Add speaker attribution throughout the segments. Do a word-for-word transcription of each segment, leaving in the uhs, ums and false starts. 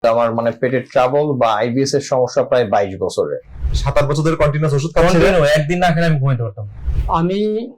Speaker 1: আমার মানে পেটের ট্রাবল বা আইবিএস এর সমস্যা প্রায় বাইশ বছরের।
Speaker 2: সাত আট বছর ধরে কন্টিনিউয়াস ওষুধ খাচ্ছেন?
Speaker 3: একদিন না খেলে আমি ঘুমাইতে পারতাম।
Speaker 4: আমি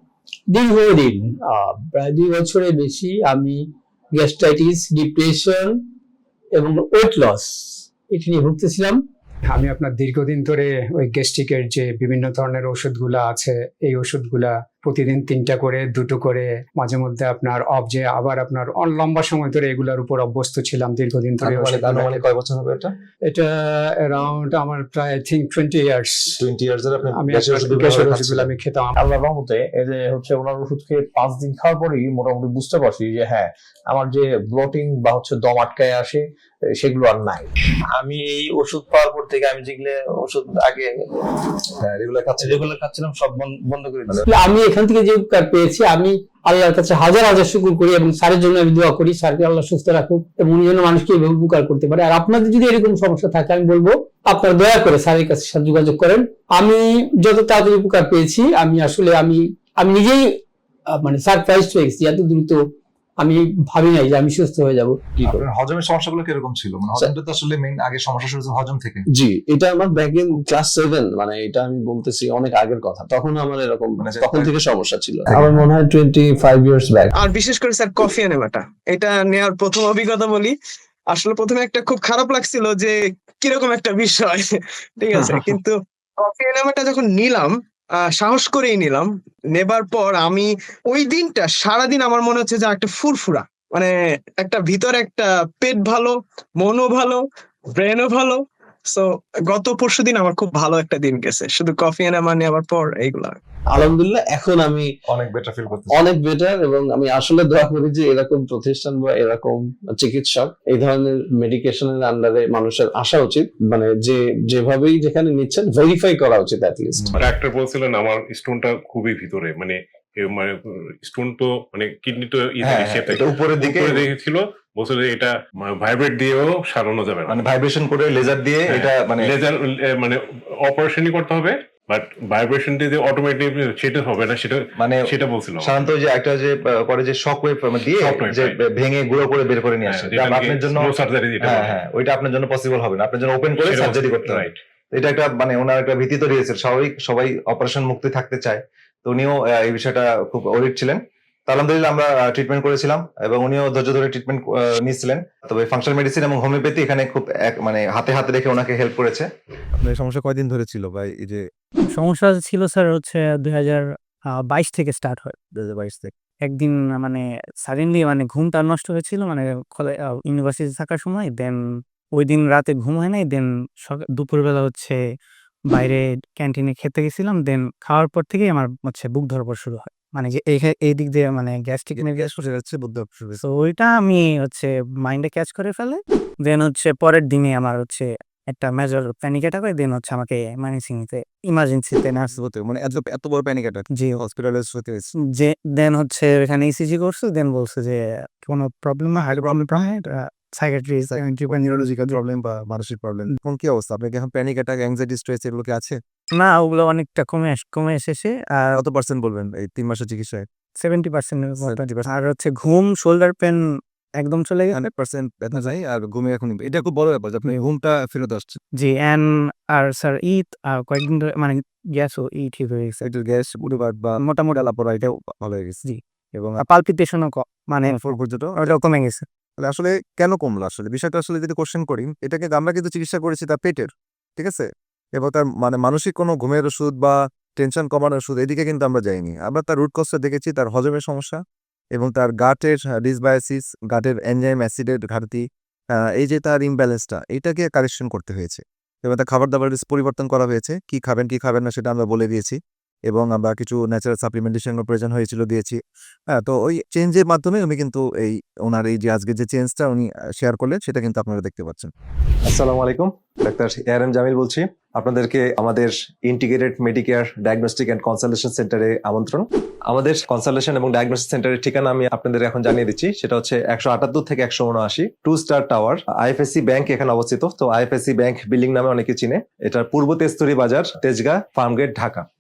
Speaker 4: দীর্ঘদিন আহ, প্রায় দুই বছরের বেশি আমি গ্যাস্ট্রাইটিস, ডিপ্রেশন এবং ওয়েট লস এটা নিয়ে ভুগতেছিলাম।
Speaker 5: আমি আপনার দীর্ঘদিন ধরে ওই গ্যাস্ট্রিকের যে বিভিন্ন ধরনের ওষুধগুলো আছে এই ওষুধগুলা প্রতিদিন তিনটা করে দুটো করে মাঝে মধ্যে আপনার অফ যে আবার আপনার অন- লম্বা সময় ধরে এগুলোর উপর অভ্যস্ত ছিলাম দীর্ঘদিন ধরে।
Speaker 2: আনুমানিক
Speaker 5: ওষুধগুলা
Speaker 2: আনুমানিক কয় বছর হবে এটা?
Speaker 5: এটা অ্যারাউন্ড আমার প্রায় I think twenty years
Speaker 2: twenty years এর আপনি
Speaker 5: আমি
Speaker 2: গ্যাসের ওষুধ
Speaker 5: গ্যাসের
Speaker 2: ব্যবহার
Speaker 5: ওষুধগুলো
Speaker 2: করছেন?
Speaker 5: আমি খেতাম।
Speaker 1: আল্লাহর রহমতে এই যে হচ্ছে ওনার ওষুধ খেয়ে পাঁচ দিন খাওয়ার পরেই মোটামুটি বুঝতে পারছি যে হ্যাঁ আমার যে ব্লটিং বা হচ্ছে দম আটকায় আসে সেগুলো আর নাই।
Speaker 3: আমি এই ওষুধ পাওয়ার পর থেকে আমি যেগুলো ওষুধ আগে
Speaker 2: হ্যাঁ রেগুলার খাচ্ছেন?
Speaker 3: যেগুলো খাচ্ছিলাম সব বন- বন্ধ করে দিয়েছি।
Speaker 4: আসলে আমি এখান থেকে যে উপকার পেয়েছি আমি আল্লাহর কাছে হাজার হাজার শুকর করি এবং স্যারের জন্য আমি দোয়া করি স্যারকে আল্লাহ সুস্থ রাখুক এবং উনি যেন মানুষকে এভাবে উপকার করতে পারে। আর আপনাদের যদি এরকম সমস্যা থাকে আমি বলবো আপনারা দয়া করে স্যারের কাছে সাথে যোগাযোগ করেন। আমি যত তাড়াতাড়ি উপকার পেয়েছি আমি আসলে আমি আমি নিজেই আহ, মানে সারপ্রাইজ হয়ে গেছি, এত দ্রুত আমি ভাবি নাই যে আমি সুস্থ হয়ে যাব।
Speaker 1: কি করে?
Speaker 2: আপনার হজমের সমস্যাগুলো কিরকম ছিল? মানে হজমটা তো আসলে মেইন আগে সমস্যা শুরু হচ্ছে হজম থেকে।
Speaker 6: জি, এটা আমার ব্যাক ইন ক্লাস সেভেন, মানে এটা আমি বলতেছি অনেক আগের কথা। তখন আমার এরকম
Speaker 2: মানে
Speaker 6: তখন থেকে সমস্যা ছিল।
Speaker 1: আমার মনে হয় টোয়েন্টি ফাইভ ইয়ার্স ব্যাক।
Speaker 7: আর বিশেষ করে স্যার কফি এনেমাটা এটা নেওয়ার প্রথম অভিজ্ঞতা বলি, আসলে প্রথমে একটা খুব খারাপ লাগছিল যে কিরকম একটা বিষয়, ঠিক আছে, কিন্তু কফি এনেমাটা যখন নিলাম আহ, সাহস করেই নিলাম, নেবার পর আমি ওই দিনটা সারাদিন আমার মনে হচ্ছে যে একটা ফুরফুরা, মানে একটা ভিতরে একটা পেট ভালো, মনও ভালো, ব্রেনও ভালো। সো গত পরশুদিন আমার খুব ভালো একটা দিন গেছে শুধু কফি এনেমা নেওয়ার পর। এইগুলা
Speaker 6: আলহামদুলিল্লাহ এখন আমি
Speaker 2: অনেক বেটার ফিল করতেছি।
Speaker 6: অনেক বেটার এবং আমি আসলে দোয়া করি যে এরকম প্রতিষ্ঠান বা এরকম চিকিৎসক এই ধরনের মেডিকেশনের আন্ডারে মানুষের আসা উচিত। মানে যে যেভাবেই যেখানে নিচ্ছেন ভেরিফাই করা উচিত অ্যাটলিস্ট।
Speaker 8: ডাক্তার বলছিলেন আমার স্টোনটা খুবই ভিতরে, মানে এ মানে স্টোন তো মানে কিডনি তো
Speaker 2: হ্যাঁ, হ্যাঁ, এটা উপরের দিকে
Speaker 8: দেখেছিল, বলছিল যে এটা ভাইব্রেট দিয়েও সারানো যাবে না,
Speaker 2: মানে ভাইব্রেশন করে লেজার দিয়ে এটা মানে
Speaker 8: লেজার মানে অপারেশনই করতে হবে, বাট ভাইব্রেশন দিয়ে অটোমেটিক সেটা হবে না, সেটা
Speaker 2: মানে
Speaker 8: সেটা বলছিল।
Speaker 2: সাধারণত যে একটা যে আহ, করে যে শক ওয়েভ দিয়ে
Speaker 8: Shock wave,
Speaker 2: যে
Speaker 8: right.
Speaker 2: ভেঙে গুঁড়ো করে বের করে নিয়ে আসে,
Speaker 8: হ্যাঁ,
Speaker 2: যা
Speaker 8: যেটা
Speaker 2: আপনার জন্য
Speaker 8: slow surgery যেটা
Speaker 2: হ্যাঁ
Speaker 8: বলে।
Speaker 2: হ্যাঁ ওইটা আপনার জন্য পসিবল হবে না, আপনার জন্য ওপেন করে
Speaker 8: সেটা
Speaker 2: সার্জারি
Speaker 8: বলছিল,
Speaker 2: করতে হবে।
Speaker 8: right.
Speaker 2: এটা একটা মানে ওনার একটা ভীতি তৈরি হয়েছে, স্বাভাবিক সবাই অপারেশন মুক্তি থাকতে চায়, তো উনিও আহ, এই বিষয়টা খুব অরিড ছিলেন। তো আলহামদুলিল্লাহ আমরা ট্রিটমেন্ট করেছিলাম এবং উনিও ধৈর্য ধরে ট্রিটমেন্ট নিয়েছিলেন। তবে ফাংশনাল মেডিসিন এবং হোমিওপ্যাথি এখানে খুব এক মানে হাতে হাতে রেখে ওনাকে হেল্প করেছে।
Speaker 9: আপনার এই সমস্যা কয়দিন ধরে ছিল ভাই? এই যে
Speaker 10: সমস্যা ছিল স্যার হচ্ছে দুই হাজার বাইশ থেকে স্টার্ট হয়।
Speaker 9: দুই হাজার বাইশ থেকে
Speaker 10: একদিন মানে সাডেনলি মানে ঘুমটা নষ্ট হয়েছিল, মানে ইউনিভার্সিটি থাকার সময়। দেন ওই দিন রাতে ঘুম হয় নাই। দেন দুপুরবেলা হচ্ছে বাইরে ক্যান্টিনে খেতে গেছিলাম। দেন খাওয়ার পর থেকেই আমার হচ্ছে বুক ধরপড় শুরু হয়, মানে যে এই- এই দিক দিয়ে মানে গ্যাস্ট্রিক
Speaker 9: গ্যাস বসে যাচ্ছে, বুদ্ধ শুরু হয়েছে।
Speaker 10: তো ওইটা আমি হচ্ছে মাইন্ডে ক্যাচ করে ফেলে। দেন হচ্ছে পরের দিনে আমার হচ্ছে একটা মেজর প্যানিক অ্যাটাক হয়। দেন হচ্ছে আমাকে মানিসিংতে ইমার্জেন্সিতে নার্স
Speaker 9: হতে মানে এত এত বড় প্যানিক অ্যাটাক,
Speaker 10: জি
Speaker 9: হসপিটালে হতে হয়েছে।
Speaker 10: যে দেন হচ্ছে এখানে ইসিজি করছে। দেন বলছে যে কোনো প্রবলেম না, hydro problem psychiatry
Speaker 9: neurological problem বা মানসিক প্রবলেম। কোন কি অবস্থা? আপনার কি এখন প্যানিক অ্যাটাক, অ্যাংজাইটি, স্ট্রেস এগুলো কি আছে?
Speaker 10: না, ওগুলো অনেকটা কমে আস- কমে এসেছে। আর
Speaker 9: কত পার্সেন্ট বলবেন এই তিন মাসের চিকিৎসায়?
Speaker 10: Seventy percent
Speaker 9: seventy percent।
Speaker 10: আর হচ্ছে ঘুম, শোল্ডার পেন একদম চলে গেছে।
Speaker 9: হান্ড্রেড পার্সেন্ট ব্যথা যায় আর ঘুমে এখন এটা খুব বড় ব্যাপার যে আপনি ঘুমটা ফেরত আসছে।
Speaker 10: জি অ্যান্ড আর স্যার ঈদ আর কয়েকদিন ধরে মানে গ্যাসও ই ঠিক হয়ে গেছে
Speaker 9: একটু গ্যাস উঠেবার বা
Speaker 10: মোটামুটি।
Speaker 9: লাপড়া এটাও ভালো হয়ে গেছে।
Speaker 10: জি।
Speaker 9: এবং
Speaker 10: পালপিটেশনও মানে
Speaker 9: ফোর পর্যন্ত
Speaker 10: ওটাও কমে গেছে।
Speaker 9: তাহলে আসলে কেন কমলো? আসলে বিষয়টা আসলে যদি কোশ্চেন করি, এটাকে আমরা কিন্তু চিকিৎসা করেছি তার পেটের, ঠিক আছে, এবং তার মানে মানসিক কোনো ঘুমের ওষুধ বা টেনশন কমানোর ওষুধ এদিকে কিন্তু আমরা যাইনি। আমরা তার রুট কজটা দেখেছি, তার হজমের সমস্যা এবং তার গাটের ডিসবায়োসিস, গাটের এনজাইম অ্যাসিডের ঘাটতি, আহ, এই যে তার ইমব্যালেন্সটা, এটাকে কারেকশন করতে হয়েছে এবং তার খাবার দাবারের পরিবর্তন করা হয়েছে। কি খাবেন কি খাবেন না সেটা আমরা বলে দিয়েছি এবং আমরা কিছু ন্যাচারাল সাপ্লিমেন্টেশন প্রয়োজন হয়েছিল দিয়েছি। হ্যাঁ, তো ওই চেঞ্জের মাধ্যমে উনি কিন্তু এই ওনার এই যে আজকে যে চেঞ্জটা উনি শেয়ার করলেন সেটা কিন্তু আপনারা দেখতে পাচ্ছেন।
Speaker 2: আসসালামু আলাইকুম, doctor A R M Jamil বলছি। আপনাদেরকে আমাদের integrated medicare diagnostic and consultation সেন্টারে আমন্ত্রণ। আমাদের কনসালটেশন এবং ডায়াগনস্টিক সেন্টারের ঠিকানা আমি আপনাদের এখন জানিয়ে দিচ্ছি। সেটা হচ্ছে একশো আটাত্তর থেকে একশো উনআশি two star tower, IFSC bank এখানে অবস্থিত। তো আইএফএসসি ব্যাংক বিল্ডিং নামে অনেকে চিনে। এটা পূর্ব তেজতুরি বাজার, তেজগাঁ, ফার্মগেট, ঢাকা।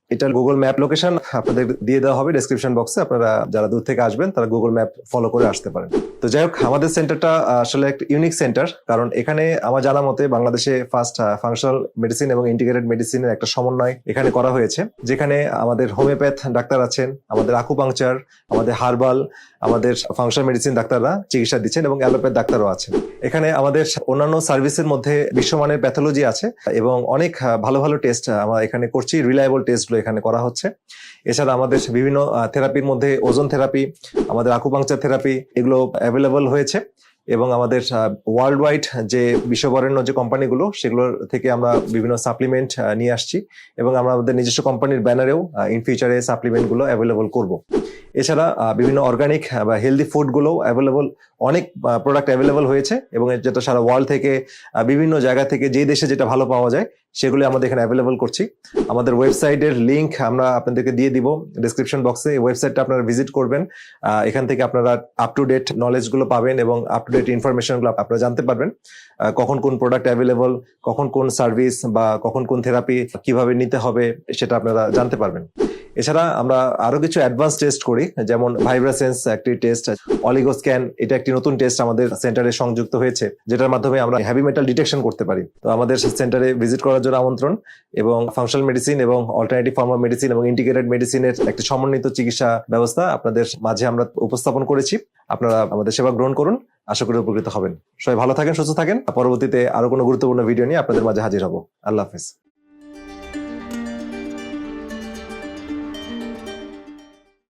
Speaker 2: এটার গুগল ম্যাপ লোকেশন আপনাদের দিয়ে দেওয়া হবে ডেসক্রিপশন বক্সে। আপনারা যারা দূর থেকে আসবেন তারা গুগল ম্যাপ ফলো করে আসতে পারেন। তো যাই হোক, আমাদের সেন্টারটা আসলে একটা ইউনিক সেন্টার, কারণ এখানে আমার জানা মতে বাংলাদেশে ফার্স্ট ফাংশনাল মেডিসিন এবং ইন্টিগ্রেটেড মেডিসিনের একটা সমন্বয় এখানে করা হয়েছে, যেখানে আমাদের হোমিওপ্যাথ ডাক্তার আছেন, আমাদের আকুপাংচার, আমাদের হার্বাল, আমাদের ফাংশনাল মেডিসিন ডাক্তাররা চিকিৎসা দিচ্ছেন এবং অ্যালোপ্যাথ ডাক্তারও আছেন। এখানে আমাদের অন্যান্য সার্ভিসের মধ্যে বিশ্বমানের প্যাথোলজি আছে এবং অনেক ভালো ভালো টেস্ট আমরা এখানে করছি, রিলায়েবল টেস্টগুলো এখানে করা হচ্ছে। এছাড়া আমাদের বিভিন্ন থেরাপির মধ্যে ওজন থেরাপি, আমাদের আকুপাংচার থেরাপি এগুলো অ্যাভেলেবল হয়েছে এবং আমাদের ওয়ার্ল্ড ওয়াইড যে বিশ্ববরেণ্য যে কোম্পানিগুলো সেগুলোর থেকে আমরা বিভিন্ন সাপ্লিমেন্ট নিয়ে আসছি এবং আমরা আমাদের নিজস্ব কোম্পানির ব্যানারেও ইন ফিউচারে সাপ্লিমেন্টগুলো অ্যাভেলেবল করব। এছাড়া বিভিন্ন অর্গানিক বা হেলদি ফুডগুলো অ্যাভেলেবল, অনেক প্রোডাক্ট অ্যাভেলেবল হয়েছে এবং যেটা সারা ওয়ার্ল্ড থেকে বিভিন্ন জায়গা থেকে যে দেশে যেটা ভালো পাওয়া যায় সেগুলো আমাদের এখানে অ্যাভেলেবল করছি। আমাদের ওয়েবসাইটের লিঙ্ক আমরা আপনাদেরকে দিয়ে দিব ডেসক্রিপশন বক্সে। এই ওয়েবসাইটটা আপনারা ভিজিট করবেন, এখান থেকে আপনারা আপ টু ডেট নলেজগুলো পাবেন এবং আপ টু ডেট ইনফরমেশনগুলো আপনারা জানতে পারবেন, কখন কোন প্রোডাক্ট অ্যাভেলেবল, কখন কোন সার্ভিস বা কখন কোন থেরাপি কিভাবে নিতে হবে সেটা আপনারা জানতে পারবেন। এছাড়া আমরা আরো কিছু অ্যাডভান্স টেস্ট করি, যেমন ভাইব্রাসেন্স একটি টেস্ট, অলিগোস্ক্যান এটা একটি নতুন টেস্ট আমাদের সেন্টারে সংযুক্ত হয়েছে, যেটার মাধ্যমে আমরা হেভি মেটাল ডিটেকশন করতে পারি। তো আমাদের সেন্টারে ভিজিট করার জন্য আমন্ত্রণ। এবং ফাংশনাল মেডিসিন এবং অল্টারনেটিভ ফর্ম অফ মেডিসিন এবং ইন্টিগ্রেটেড মেডিসিনের একটি সমন্বিত চিকিৎসা ব্যবস্থা আপনাদের মাঝে আমরা উপস্থাপন করেছি। আপনারা আমাদের সেবা গ্রহণ করুন, আশা করি উপকৃত হবেন। সবাই ভালো থাকেন, সুস্থ থাকেন। পরবর্তীতে আরো কোনো গুরুত্বপূর্ণ ভিডিও নিয়ে আপনাদের মাঝে হাজির হব। আল্লাহ হাফেজ।